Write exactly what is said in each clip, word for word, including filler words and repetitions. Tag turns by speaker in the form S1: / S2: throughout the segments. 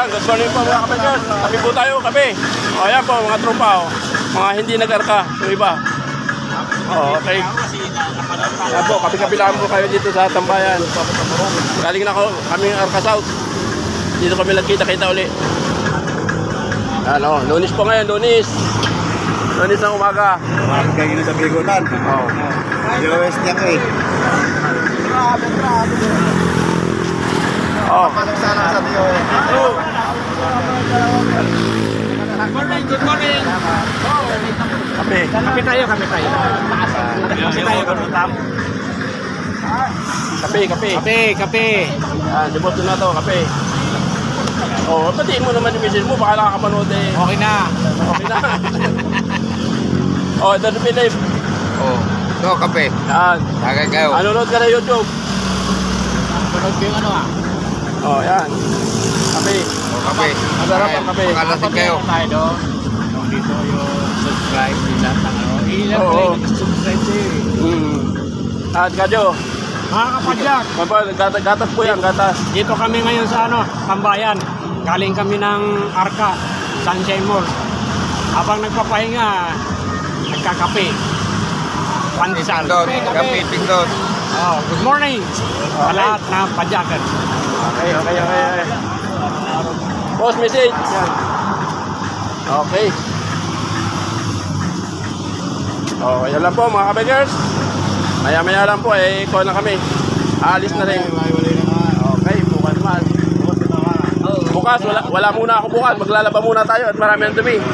S1: Yan, good morning po mga kapatid. Kape po tayo, kape. O, ayan po, mga tropa, o. Mga hindi nag-arka, yung iba. O, okay. Ayan po, kape-kape lang po kayo dito sa Tambayan. Galing na ako, kami Arca South. Dito kami nagkita-kita uli. Ano, lunis po ngayon, lunis. Lunis ng umaga.
S2: Mahal kayo na sa Bigotan.
S1: Oo.
S2: Zero West niya ko eh.
S1: Oh.
S2: Paano sana sa Dio eh?
S3: Good morning, good morning.
S1: Kape.
S3: Kape tayo, kape tayo. Kape tayo, kape tayo.
S1: Kape, kape.
S3: Kape, kape.
S1: Ah, deboto na to, kape. Oh, batiin mo naman yung message mo, baka nakakapanood eh.
S3: Okay na.
S1: Okay na. Oh, ito na Philip.
S2: Oh. Ito, kape.
S1: Yan.
S2: Tagay kayo.
S1: Nanonood ka na YouTube.
S3: Panood ko yung ano ah.
S1: Oh, yan. Kape.
S2: Oh, kape.
S1: Masarap ang kape.
S2: Pakalasig kayo.
S3: Tayo doon. Dito yung subscribe nila. Ilan
S1: Oo.
S3: pala yung subscribe sa'yo eh.
S1: Mm. At kadyo.
S3: Mga kapadyak,
S1: Maba, gatas, gatas po yan, gatas.
S3: dito kami ngayon sa ano, Tambayan. Galing kami ng Arca, Sunshine Mall. Habang nagpapahinga, nagkakape. Pandesal.
S2: Pindot. Kape, pindot.
S3: Oh, good morning sa lahat na padyakan.
S1: Okay, okay, okay. okay. Post message. Yan. Okay. Okay, yan lang po mga kabagers. Maya-maya lang po, eh, ikaw na kami. Aalis na rin. Okay, bukas naman. Bukas, wala, wala muna ako bukas. Maglalaba muna tayo at marami ang dumi.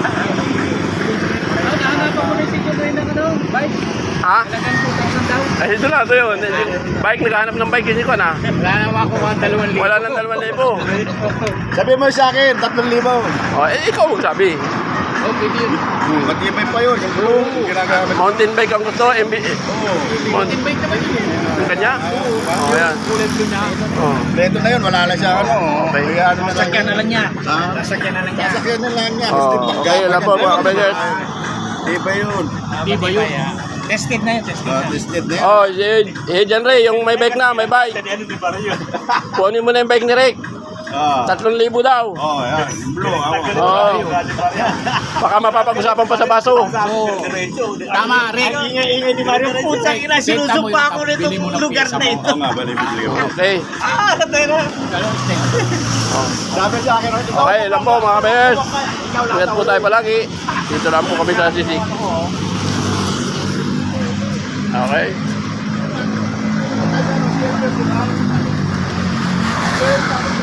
S1: Ha? Ay, ito na, ito yun. Bike, naghahanap ng bike kasi ko na.
S3: Wala na ako mga dalawang libo.
S1: Wala nang dalawang libo.
S2: Sabi mo sa akin, tatlong libo.
S1: Oh, eh, ikaw magsabi.
S3: Okay, yun.
S2: Matibay pa yun. Yung blue. Yung ginagamit.
S1: Mountain bike ang gusto, M B...
S3: Mountain bike naman yun.
S1: Yung kanya? Oh, yan.
S3: Kulad ko na.
S1: Oh.
S2: Leto na yun, wala na siya ano.
S1: Okay.
S2: Kaya ano na lang.
S3: Sasakyan na lang niya.
S2: Ha?
S3: Sasakyan na lang niya.
S2: Sasakyan na lang niya.
S1: Oh, okay, yun lang po mga kabagers.
S2: Di ba yun?
S3: Di ba yun? Tested na yun, tested
S2: Ah,
S3: na.
S2: tested na yun.
S1: Oh, eh, eh, Jan Ray, yung may bike na, may bike. Kunin mo na yung bike ni Rick.
S2: Ah.
S1: Tatlong libo daw.
S2: Oh, yan. Yung blue. Ako.
S1: Oh. Baka mapapag-usapan pa sa baso.
S3: Tama, Rick.
S4: Ingay-ingay ni Mario. Putang ina, sinusumpa ako nito lugar na ito.
S2: Oo nga, bali-bili yun.
S1: Okay.
S4: Ah, tera.
S2: Sabi sa akin,
S1: Okay, lang po mga kabagers. Ingat po tayo palagi. Dito lang po kami sa Sisig. Okay.